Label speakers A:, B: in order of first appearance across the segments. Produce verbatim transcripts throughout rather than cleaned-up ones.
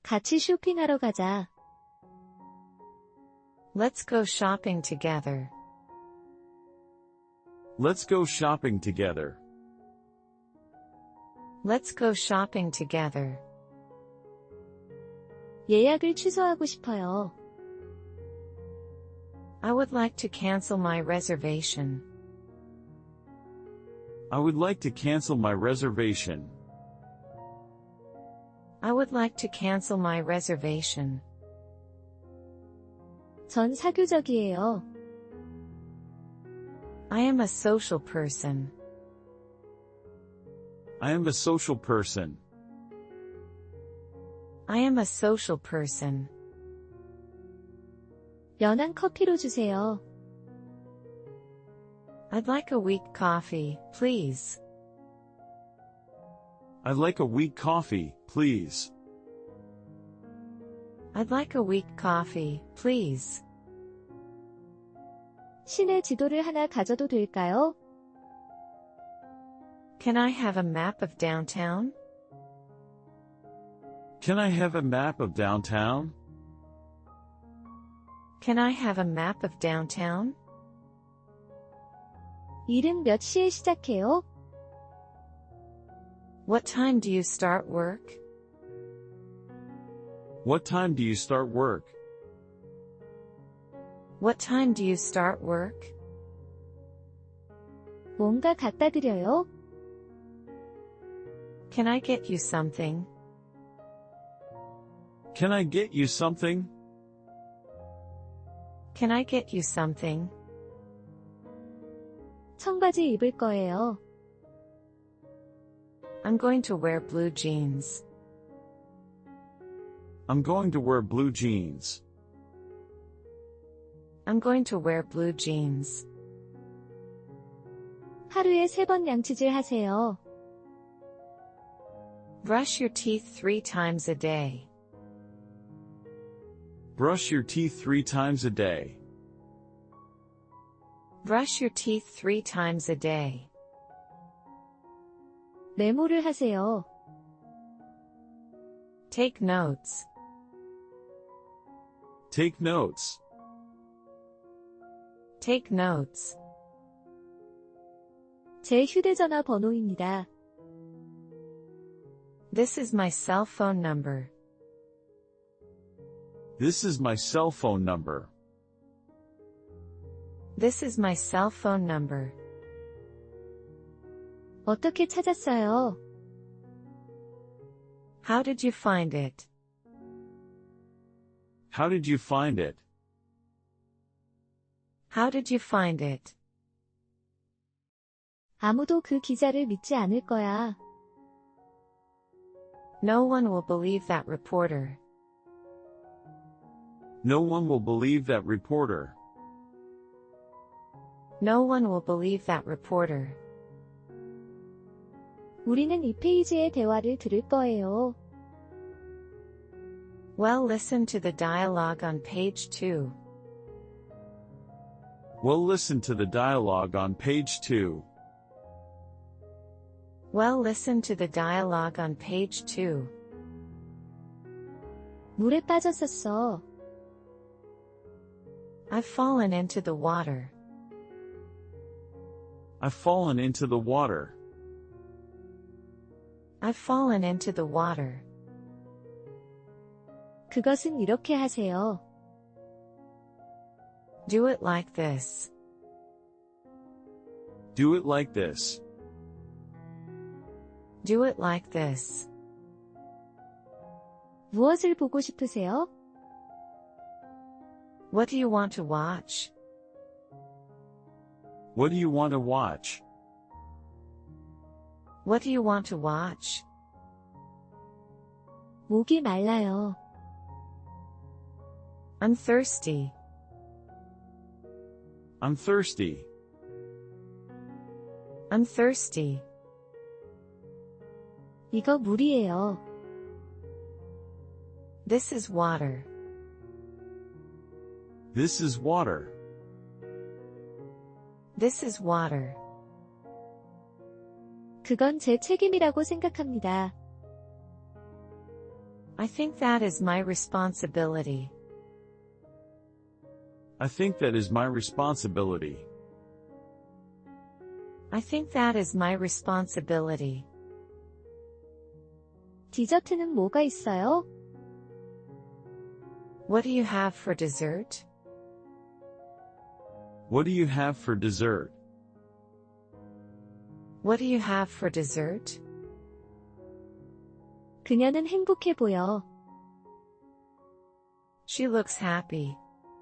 A: 같이 쇼핑하러 가자.
B: Let's go shopping together.
C: Let's go shopping together.
B: Let's go shopping together.
A: 예약을 취소하고 싶어요.
B: I would like to cancel my reservation.
C: I would like to cancel my reservation.
B: I would like to cancel my reservation.
A: 전 사교적이에요.
B: I am a social person.
C: I am a social person.
B: I am a social person.
A: 연한 커피로 주세요.
B: I'd like a weak coffee, please.
C: I'd like a weak coffee, please.
B: I'd like a weak coffee, please.
A: 시내 지도를 하나 가져도 될까요?
B: Can I have a map of downtown?
C: Can I have a map of downtown?
B: Can I have a map of downtown?
A: 일은 몇 시에 시작해요?
B: What time do you start work?
C: What time do you start work?
B: What time do you start work?
A: 뭔가 갖다 드려요?
B: Can I get you something?
C: Can I get you something?
B: Can I get you something?
A: 청바지 입을 거예요.
B: I'm going to wear blue jeans.
C: I'm going to wear blue jeans.
B: I'm going to wear blue jeans.
A: 하루에 세 번 양치질 하세요.
B: Brush your teeth three times a day.
C: Brush your teeth three times a day.
B: Brush your teeth three times a day.
A: 메모를 하세요.
B: Take notes.
C: Take notes.
B: Take notes.
A: 제 휴대전화 번호입니다.
B: This is my cell phone number.
C: This is my cell phone number.
B: This is my cell phone number.
A: 어떻게 찾았어요?
B: How did you find it?
C: How did you find it?
B: How did you find it?
A: 아무도 그 기자를 믿지 않을 거야.
B: No one will believe that reporter.
C: No one will believe that reporter.
B: No one will believe that reporter.
A: 우리는 이 페이지의 대화를 들을 거예요.
B: Well, listen to the dialogue on page two.
C: Well, listen to the dialogue on page two.
B: Well, listen to the dialogue on page two.
A: 물에 빠졌었어.
B: I've fallen into the water.
C: I've fallen into the water.
B: I've fallen into the water.
A: 그것은 이렇게 하세요.
B: Do it like this.
C: Do it like this.
B: Do it like this.
A: 무엇을 보고 싶으세요?
B: What do you want to watch?
C: What do you want to watch?
B: What do you want to watch?
A: 목이 말라요.
B: I'm thirsty.
C: I'm thirsty.
B: I'm thirsty.
A: 이거 물이에요.
B: This is water.
C: This is water.
B: This is water.
A: 그건 제 책임이라고 생각합니다.
B: I think that is my responsibility.
C: I think that is my responsibility.
B: I think that is my responsibility.
A: 디저트는 뭐가 있어요?
B: What do you have for dessert?
C: What do you have for dessert?
B: What do you have for dessert?
A: 그녀는 행복해 보여.
B: She looks happy.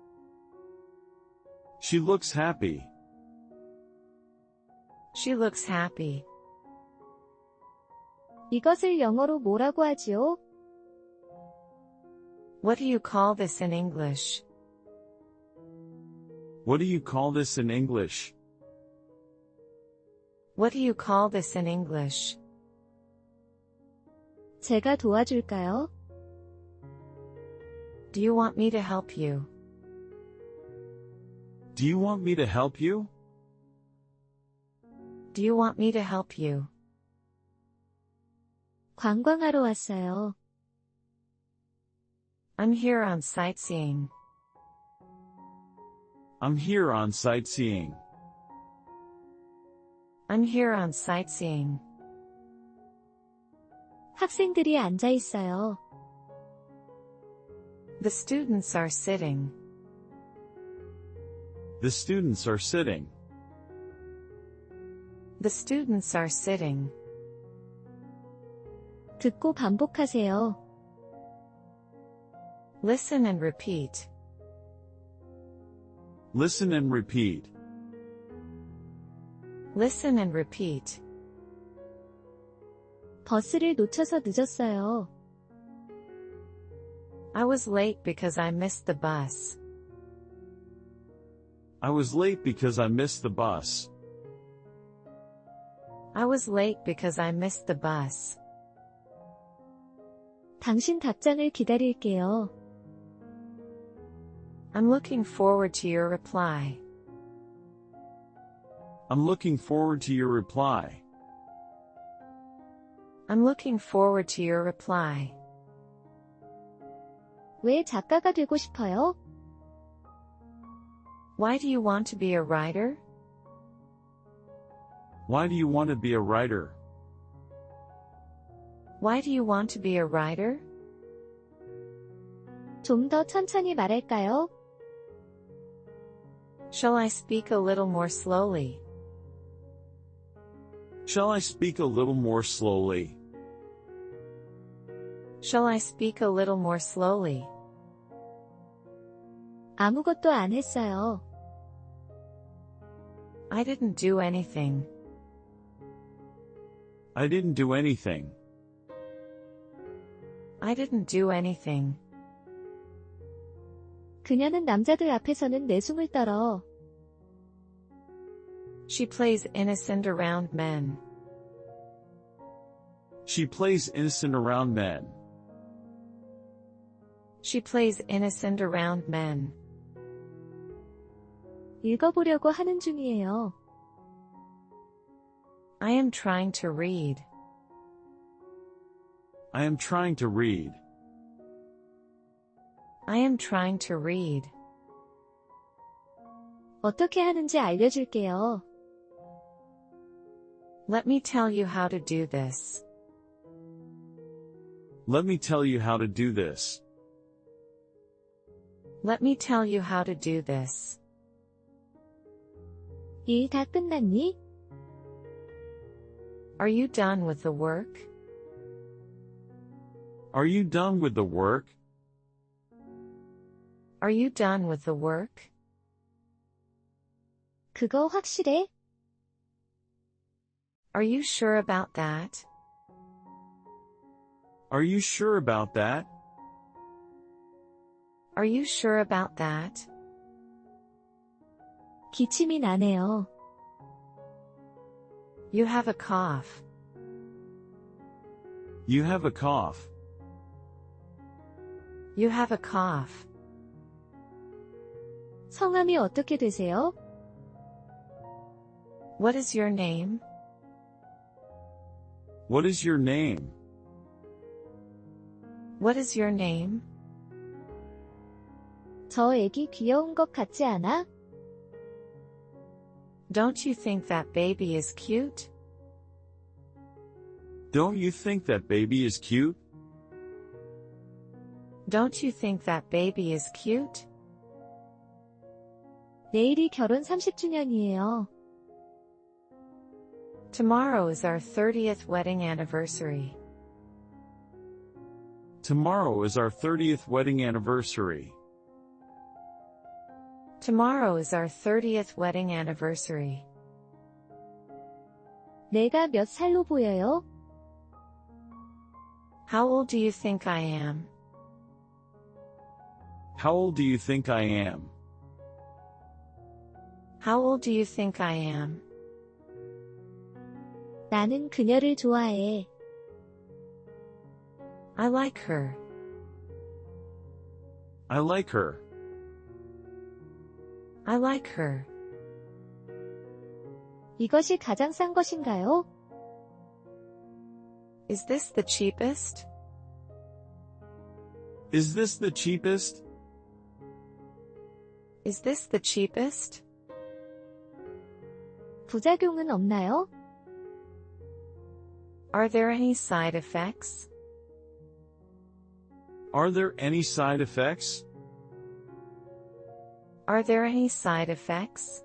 C: She looks happy.
B: She looks happy.
A: 이것을 영어로 뭐라고 하지요?
B: What do you call this in English?
C: What do you call this in English?
B: What do you call this in English?
A: 제가 도와줄까요?
B: Do you want me to help you?
C: Do you want me to help you?
B: Do you want me to help you?
A: 관광하러 왔어요.
B: I'm here on sightseeing.
C: I'm here on sightseeing.
B: I'm here on sightseeing.
A: 학생들이 앉아 있어요.
B: The students are sitting.
C: The students are sitting.
B: The students are sitting.
A: 듣고 반복하세요.
B: Listen and repeat.
C: Listen and repeat.
B: Listen and repeat.
A: 버스를 놓쳐서 늦었어요.
B: I was late because I missed the bus.
C: I was late because I missed the bus.
B: I was late because I missed the bus.
A: 당신 답장을 기다릴게요.
B: I'm looking forward to your reply.
C: I'm looking forward to your reply.
B: I'm looking forward to your reply.
A: 왜 작가가 되고 싶어요?
B: Why do you want to be a writer?
C: Why do you want to be a writer?
B: Why do you want to be a writer?
A: 좀 더 천천히 말할까요?
B: Shall I speak a little more slowly?
C: Shall I speak a little more slowly?
B: Shall I speak a little more slowly?
A: 아무것도 안 했어요.
B: I didn't do anything.
C: I didn't do anything.
B: I didn't do anything.
A: 그녀는 남자들 앞에서는 내숭을 떨어.
B: She plays innocent around men.
C: She plays innocent around men.
B: She plays innocent around men.
A: 읽어보려고 하는 중이에요.
B: I am trying to read.
C: I am trying to read.
B: I am trying to read.
A: 어떻게 하는지 알려줄게요.
B: Let me tell you how to do this.
C: Let me tell you how to do this.
B: Let me tell you how to do this.
A: 일 다 끝났니?
B: Are you done with the work?
C: Are you done with the work?
B: Are you done with the work?
A: 그거 확실해?
B: Are you sure about that?
C: Are you sure about that?
B: Are you sure about that?
A: 기침이 나네요.
B: You have a cough.
C: You have a cough.
B: You have a cough.
A: 성함이 어떻게 되세요?
B: What is your name?
C: What is your name?
B: What is your name?
A: 저 애기 귀여운 것 같지 않아?
B: Don't you think that baby is cute?
C: Don't you think that baby is cute?
B: Don't you think that baby is cute?
A: 내일이 결혼 삼십 주년이에요.
B: Tomorrow is our thirtieth wedding anniversary.
C: Tomorrow is our thirtieth wedding anniversary.
B: Tomorrow is our thirtieth wedding anniversary.
A: 내가 몇 살로 보여요?
B: How old do you think I am?
C: How old do you think I am?
B: How old do you think I am?
A: 나는 그녀를 좋아해.
B: I like her.
C: I like her.
B: I like her.
A: 이것이 가장 싼 것인가요?
B: Is this the cheapest?
C: Is this the cheapest?
B: Is this the cheapest?
A: 부작용은 없나요?
B: Are there any side effects?
C: Are there any side effects?
B: Are there any side effects?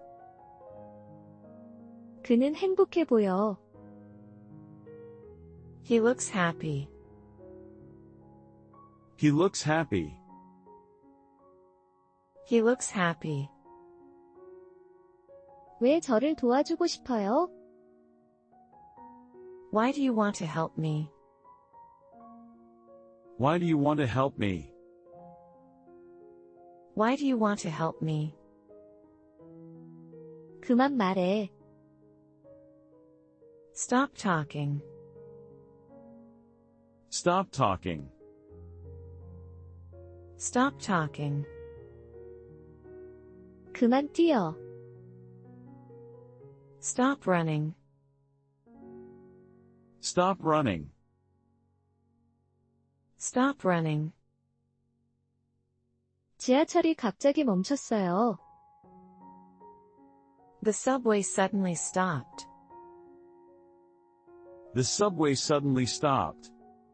A: 그는 행복해 보여.
B: He looks happy.
C: He looks happy.
B: He looks happy.
A: 왜 저를 도와주고 싶어요?
B: Why do you want to help me?
C: Why do you want to help me?
B: Why do you want to help me?
A: 그만 말해.
B: Stop talking.
C: Stop talking.
B: Stop talking.
A: 그만 뛰어.
B: Stop running.
C: Stop running.
B: Stop running.
A: 지하철이 갑자기 멈췄어요.
B: The subway suddenly stopped.
C: The subway suddenly stopped.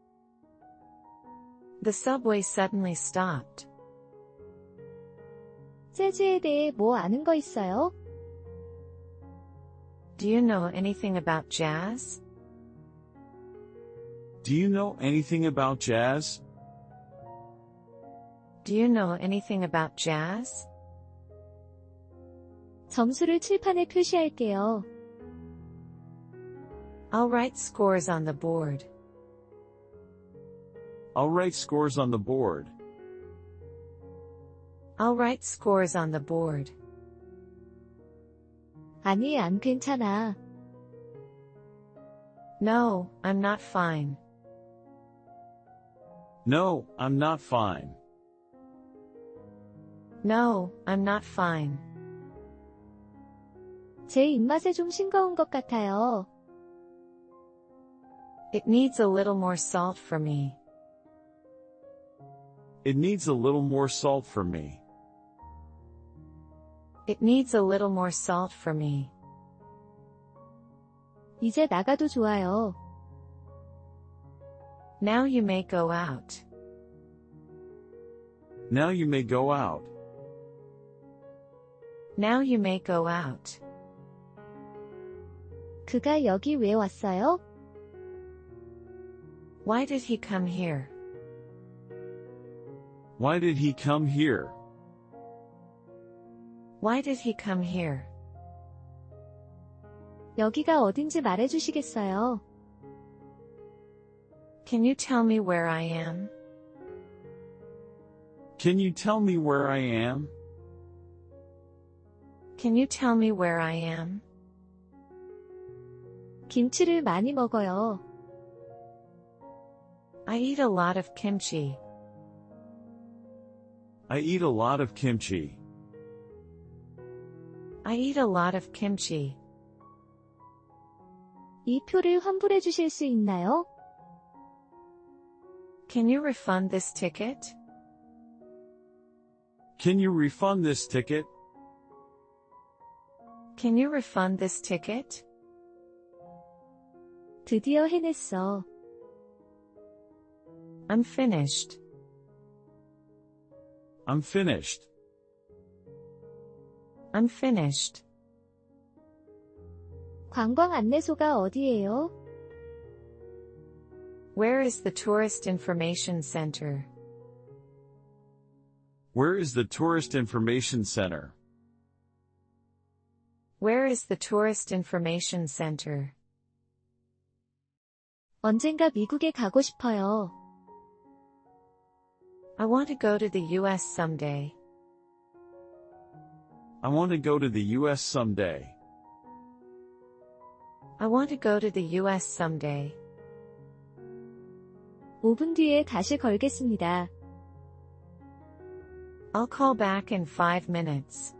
B: The subway suddenly stopped.
A: 재즈에 대해 뭐 아는 거 있어요?
B: Do you know anything about jazz?
C: Do you know anything about jazz?
B: Do you know anything about jazz?
A: 점수를 칠판에 표시할게요.
B: I'll write scores on the board.
C: I'll write scores on the board.
B: I'll write scores on the board.
A: 아니, 안 괜찮아.
B: No, I'm not fine.
C: No, I'm not fine.
B: No, I'm not fine.
A: 제 입맛에 좀 싱거운 것 같아요.
B: It needs a little more salt for me.
C: It needs a little more salt for me.
B: It needs a little more salt for me.
A: 이제 나가도 좋아요.
B: Now you may go out.
C: Now you may go out.
B: Now you may go out.
A: 그가 여기 왜 왔어요?
B: Why did he come here?
C: Why did he come here?
B: Why did he come here?
A: 여기가 어딘지 말해주시겠어요?
B: Can you tell me where I am?
C: Can you tell me where I am?
B: Can you tell me where I am?
A: 김치를 많이 먹어요.
B: I eat a lot of kimchi.
C: I eat a lot of kimchi.
B: I eat a lot of kimchi.
A: 이 표를 환불해 주실 수 있나요?
B: Can you refund this ticket?
C: Can you refund this ticket?
B: Can you refund this ticket?
A: 드디어 해냈어.
B: I'm finished.
C: I'm finished.
B: I'm finished.
A: 관광 안내소가 어디예요?
B: Where is the Tourist Information Center?
C: Where is the Tourist Information Center?
B: Where is the Tourist Information Center?
A: 언젠가 미국에 가고 싶어요.
B: I want to go to the U S someday.
C: I want to go to the U S someday.
B: I want to go to the U S someday.
A: 오 분 뒤에 다시 걸겠습니다.
B: I'll call back in five minutes.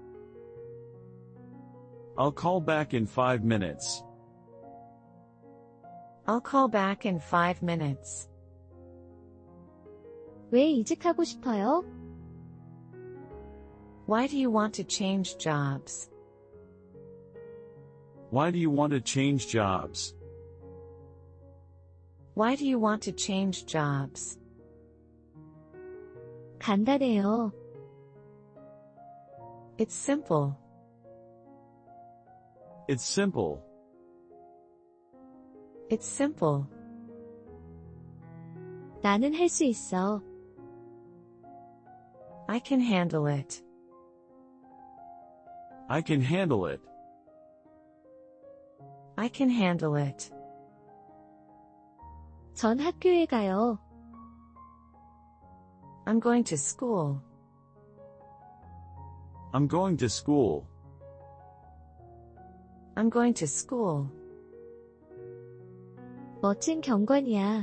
C: I'll call back in five minutes.
B: I'll call back in five minutes.
A: 왜 이직하고 싶어요?
B: Why do you want to change jobs?
C: Why do you want to change jobs?
B: Why do you want to change jobs?
A: 간단해요.
B: It's simple.
C: It's simple.
B: It's simple.
A: 나는 할 수 있어.
B: I can handle it.
C: I can handle it.
B: I can handle it.
A: 전 학교에 가요.
B: I'm going to school.
C: I'm going to school.
B: I'm going to school.
A: 멋진 경관이야.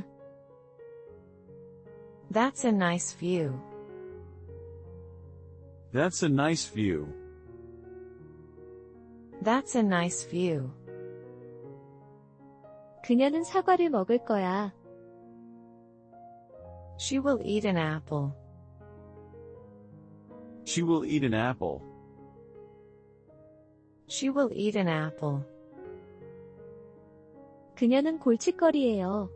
B: That's a nice view.
C: That's a nice view.
B: That's a nice view.
A: 그녀는 사과를 먹을 거야.
B: She will eat an apple.
C: She will eat an apple.
B: She will eat an apple.
A: 그녀는 골칫거리예요.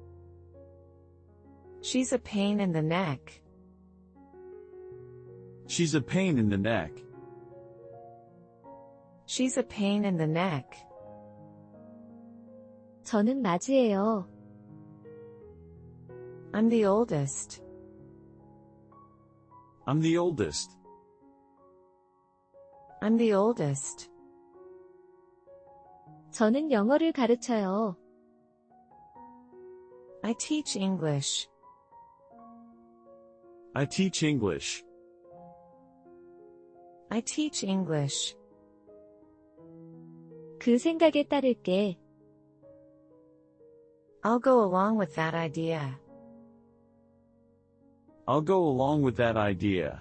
B: She's a pain in the neck.
C: She's a pain in the neck.
B: She's a pain in the neck.
A: 저는 맞이에요.
B: I'm the oldest.
C: I'm the oldest.
B: I'm the oldest.
A: 저는 영어를 가르쳐요.
B: I teach English.
C: I teach English.
B: I teach English.
A: 그 생각에 따를게.
B: I'll go along with that idea.
C: I'll go along with that idea.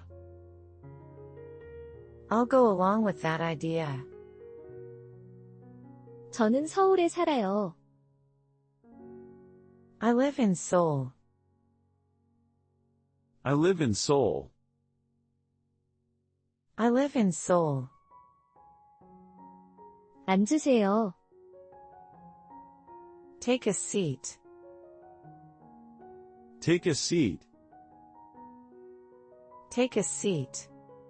B: I'll go along with that idea.
A: 저는 서울에 살아요.
B: I live in Seoul.
C: I live in Seoul.
B: I live in Seoul.
A: 앉으세요.
B: Take a seat.
C: Take a seat.
B: Take a seat.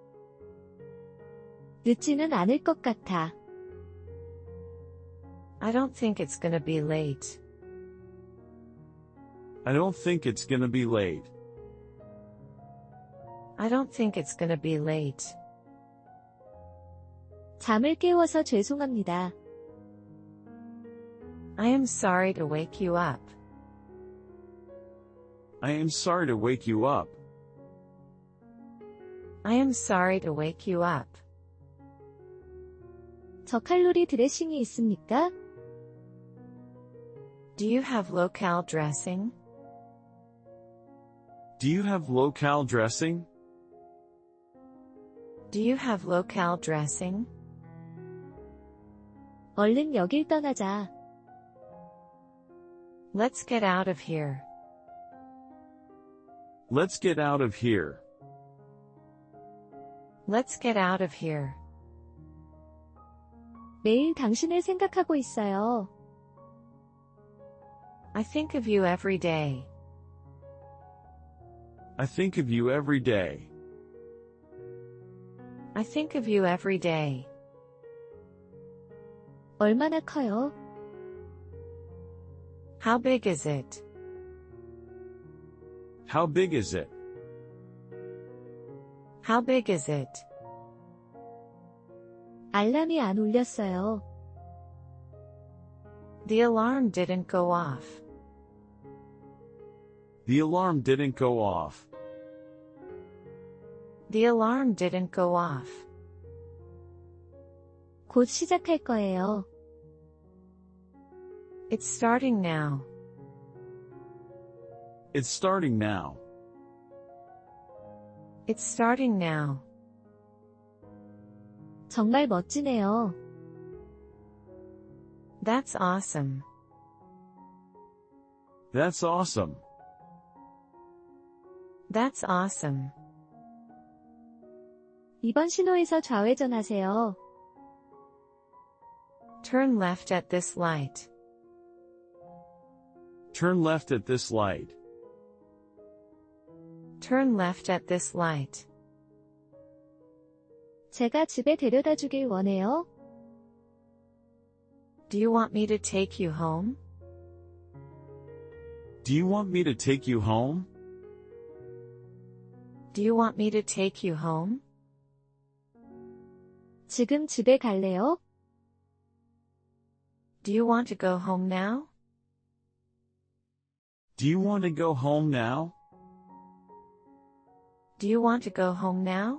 A: 늦지는 않을 것 같아.
B: I don't think it's gonna be late.
C: I don't think it's gonna be late.
B: I don't think it's gonna be late.
A: 잠을 깨워서 죄송합니다.
B: I am sorry to wake you up.
C: I am sorry to wake you up.
B: I am sorry to wake you up.
A: 저칼로리 드레싱이 있습니까?
B: Do you have low-cal dressing?
C: Do you have low-cal dressing?
B: Do you have low-cal dressing?
A: 얼른 여길 떠나자.
B: Let's get out of here.
C: Let's get out of here.
B: Let's get out of here.
A: 매일 당신을 생각하고 있어요.
B: I think of you every day.
C: I think of you every day.
B: I think of you every day.
A: 얼마나 커요?
B: How big is it?
C: How big is it?
B: How big is it?
A: 알람이 안 울렸어요.
B: The alarm didn't go off.
C: The alarm didn't go off.
B: The alarm didn't go off.
A: 곧 시작할 거예요.
B: It's starting now.
C: It's starting now.
B: It's starting now.
A: 정말 멋지네요.
B: That's awesome.
C: That's awesome.
B: That's awesome.
A: 이번 신호에서 좌회전하세요.
B: Turn left at this light.
C: Turn left at this light.
B: Turn left at this light.
A: 제가 집에 데려다 주길 원해요.
B: Do you want me to take you home?
C: Do you want me to take you home?
B: Do you want me to take you home?
A: 지금 집에 갈래요?
B: Do you want to go home now?
C: Do you want to go home now?
B: Do you want to go home now?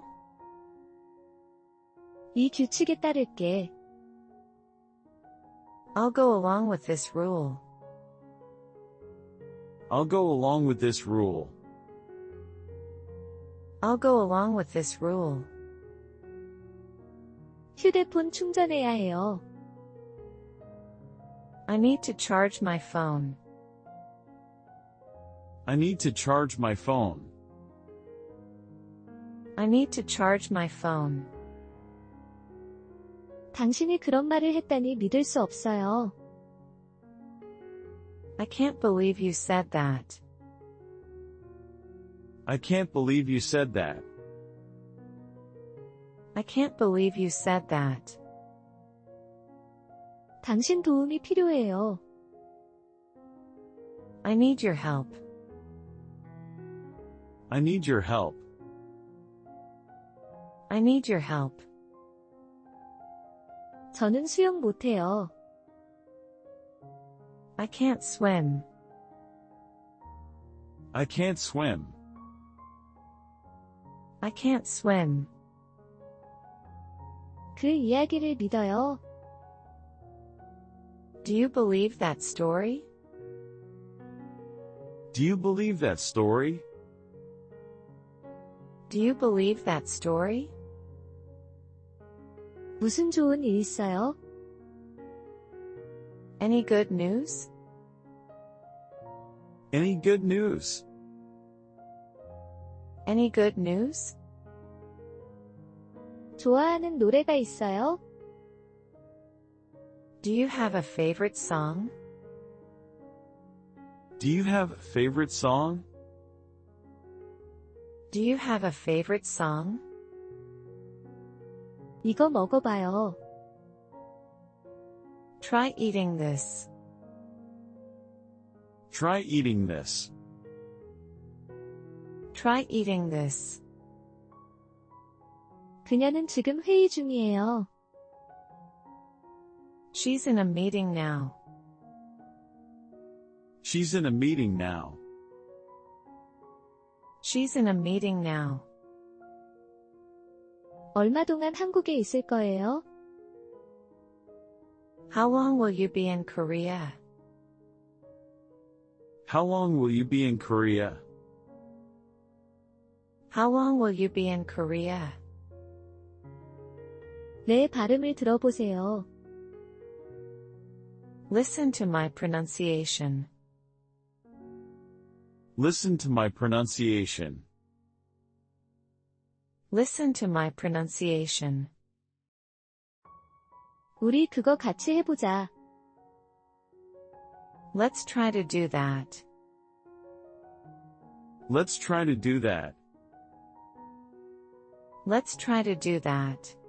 A: 이 규칙에 따를게.
B: I'll go along with this rule.
C: I'll go along with this rule.
B: I'll go along with this rule.
A: 휴대폰 충전해야 해요.
B: I need to charge my phone.
C: I need to charge my phone.
B: I need to charge my phone.
A: 당신이 그런 말을 했다니 믿을 수 없어요.
B: I can't believe you said that.
C: I can't believe you said that.
B: I can't believe you said that.
A: 당신 도움이 필요해요.
B: I need your help.
C: I need your help.
B: I need your help.
A: 저는 수영 못해요.
B: I can't swim.
C: I can't swim.
B: I can't swim.
A: 그 이야기를 믿어요.
B: Do you believe that story?
C: Do you believe that story?
B: Do you believe that story?
A: 무슨 좋은 일 있어요?
B: Any good news?
C: Any good news?
B: Any good news?
A: 좋아하는 노래가 있어요?
B: Do you have a favorite song?
C: Do you have a favorite song?
B: Do you have a favorite song?
A: 이거 먹어봐요.
B: Try eating this.
C: Try eating this.
B: Try eating this.
A: 그녀는 지금 회의 중이에요.
B: She's in a meeting now.
C: She's in a meeting now.
B: She's in a meeting now.
A: 얼마 동안 한국에 있을 거예요?
B: How long will you be in Korea?
C: How long will you be in Korea?
B: How long will you be in Korea?
A: 내 발음을 들어보세요.
B: Listen to my pronunciation.
C: Listen to my pronunciation.
B: Listen to my pronunciation.
A: 우리 그거 같이 해보자.
B: Let's try to do that.
C: Let's try to do that.
B: Let's try to do that.